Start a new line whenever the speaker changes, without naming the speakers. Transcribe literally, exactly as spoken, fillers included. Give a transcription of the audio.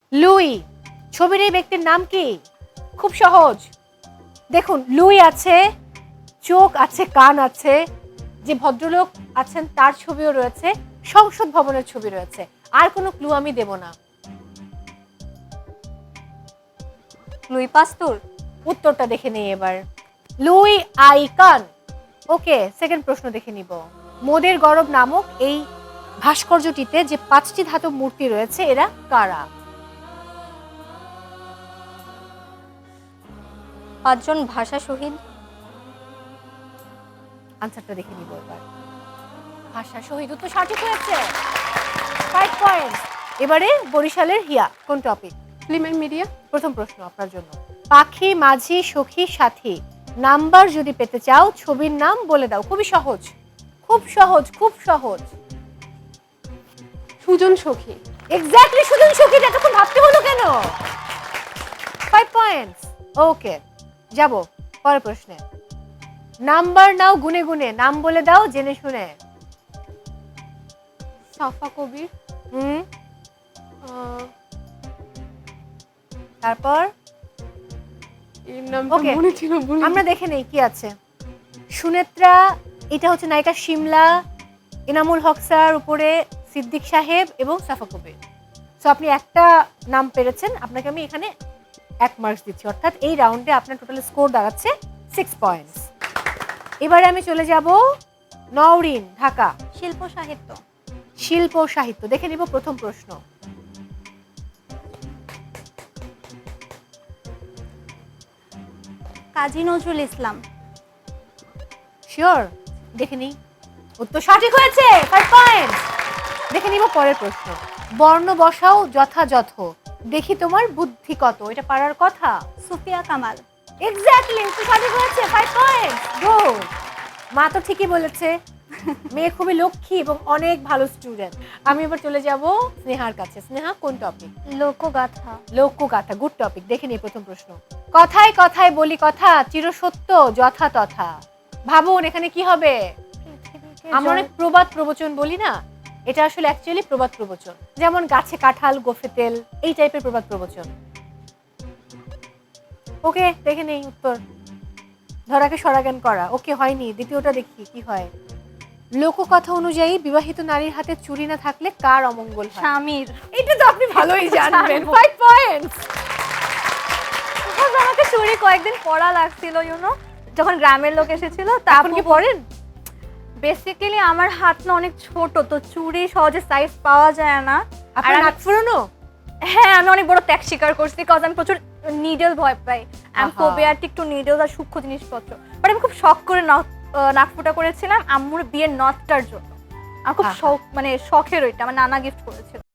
Luis ছবির এই ব্যক্তির নাম কি? খুব সহজ। দেখুন লুই আছে, চোখ আছে, কান আছে, যে ভদ্রলোক আছেন তার ছবিও রয়েছে, সংসদ ভবনের ছবি রয়েছে। আর কোনো ক্লু আমি দেব না।
Louis Pasteur.
উত্তরটা দেখে নেই এবার। Luis icon. ওকে, সেকেন্ড প্রশ্ন দেখে নিব। মোদের গরব নামক এই ভাস্কর্যটিতে যে পাঁচটি ধাতব মূর্তি রয়েছে এরা কারা?
পাঁচজন ভাষা শহীদ।
আনসারটা দেখে নিব এবার। ভাষা শহীদ উত্তর সঠিক হয়েছে, ফাইভ পয়েন্টস। এবারে বরিশালের হিয়া কোন টপিক?
Film and media.
প্রথম প্রশ্ন আপনার জন্য। পাখি, মাঝি, সখী, সাথী নাম্বার যদি পেতে চাও ছবির নাম বলে দাও। খুবই সহজ, খুব সহজ, খুব সহজ।
সুজন সখী।
এক্স্যাক্টলি, সুজন সখী। এতক্ষণ ভাবতে হলো কেন? Five points. ওকে, যাব পরের প্রশ্নে। নাম্বার নাও গুনে গুনে, নাম বলে দাও জেনে শুনে।
সাফা কবির।
হুম,
আহ,
তারপর
এর নামটা
Okay.
মনে ছিল ভুলে
আমরা দেখে নেই কি আছে। সুনেত্রা, এটা হচ্ছে নায়িকা শিমলা, এনামুল হক স্যার, উপরে সিদ্দিক সাহেব এবং সাফা কবির। সো আপনি একটা নাম পেরেছেন, আপনাকে আমি এখানে এক মার্কস দিচ্ছি, অর্থাৎ এই রাউন্ডে আপনার টোটাল স্কোর দাঁড়াচ্ছে সিক্স পয়েন্টস। এবারে আমি চলে যাব নওরিন, ঢাকা।
শিল্প সাহিত্য।
শিল্প ও সাহিত্য দেখে নিব প্রথম প্রশ্ন।
কাজী নজরুল ইসলাম।
শিওর? দেখে নিই। উত্তর সঠিক হয়েছে, ফাইভ পয়েন্টস। দেখে নিব পরের প্রশ্ন। বর্ণ বসাও যথাযথ, দেখি তোমার বুদ্ধি কত, এটা পারার কথা।
সুফিয়া কামাল।
এক্স্যাক্টলি, উত্তর সঠিক হয়েছে, ফাইভ পয়েন্টস। গো, মা তো ঠিকই বলেছে, মেয়ে খুবই লক্ষ্মী এবং অনেক ভালো স্টুডেন্ট। আমি এবার চলে যাব স্নেহার কাছে। স্নেহা কোন টপিক?
লোকগাথা।
লোকগাথা, গুড টপিক। দেখে নিই প্রথম প্রশ্ন। কথায় কথায় বলি কথা, চিরসত্য যথা তথা। ভাবুন এখানে কি হবে? আমরা অনেক প্রবাদ প্রবচন বলি না, এটা আসলে অ্যাকচুয়ালি প্রবাদ প্রবচন। যেমন গাছে কাঁঠাল গোফে তেল, এই টাইপের প্রবাদ প্রবচন। ওকে, দেখে নেই উত্তর। ধরাকে সরাজ্ঞান করা। ওকে, হয়নি। দ্বিতীয়টা দেখি কি হয়। লোককথা অনুযায়ী বিবাহিত নারীর হাতে চুরি না থাকলে কার অমঙ্গল হয়?
স্বামীর।
এটা তো আপনি ভালোই জানবেন, ফাইভ পয়েন্টস।
আমাকে চুরি কয়েকদিন পড়া লাগছিল, ইউনো, যখন গ্রামের লোক এসেছিল।
আপনি কি পড়েন?
বেসিক্যালি আমার হাত না অনেক ছোট, তো চুরি সহজে সাইজ পাওয়া যায় না। আর
আপনার
আমি-
নাক ফুরানো?
হ্যাঁ, আমি অনেক বড় ত্যাগ স্বীকার করছি, বিকজ আমি প্রচুর নিডল ভয় পাই। আমি
আহা।
ফোবিয়াটিক টু নিডল আর সূক্ষ্ম জিনিসপত্র। বাট আমি খুব শখ করে নথ- আহ, নাক ফুটা করেছিলাম আম্মুর বিয়ের নথটার জন্য। আমার খুব
আহা।
শখ, মানে শখের ওইটা আমার নানা গিফট করেছিল।